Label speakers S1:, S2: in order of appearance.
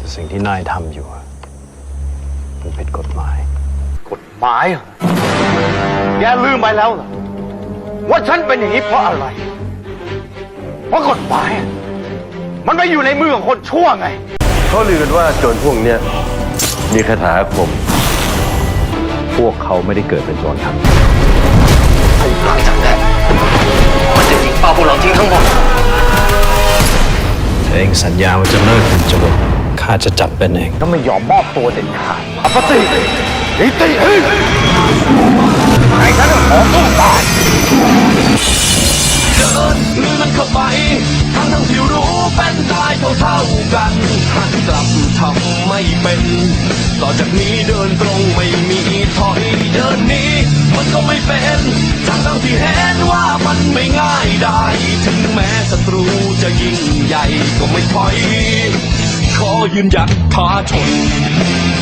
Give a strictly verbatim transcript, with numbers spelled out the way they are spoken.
S1: แต่สิ่งที่นายทำอยู่มันผิดกฎหมาย
S2: กฎหมายเหรอแกลืมไปแล้วเหรอว่าฉันเป็นอย่างนี้เพราะอะไรเพราะกฎหมายมันไม่อยู่ในมือของคนชั่วไง
S3: เขาลือกันว่าโจรพวกเนี้ยมีคาถาอาคม
S1: พวกเขาไม่ได้เกิดเป็นโจรครับ
S2: หลังจากนั้นมันจะยิงเป้าพวกเราทิ้งทั้งหมด
S1: เองสัญญาว่าจะเลิกเป็นโจรข้าจะจับเป็นเอง
S2: ก็ไม่ยอมมอบตัวเด็ดขาดอปติอิติหิใครฉันขอสู้ตาย
S4: เดินหรือมันเข้าไปทั้งทั้งที่รู้เป็นตายเท่าเท่ากันหันกลับทำไม่เป็นต่อจากนี้เดินตรงไม่มีถอยเดินนี้มันก็ไม่เป็นทั้งทั้งที่เห็นว่ามันไม่ง่ายได้ถึงแม้ศัตรูจะยิ่งใหญ่ก็ไม่ถอยขอยืนหยัดท้าชน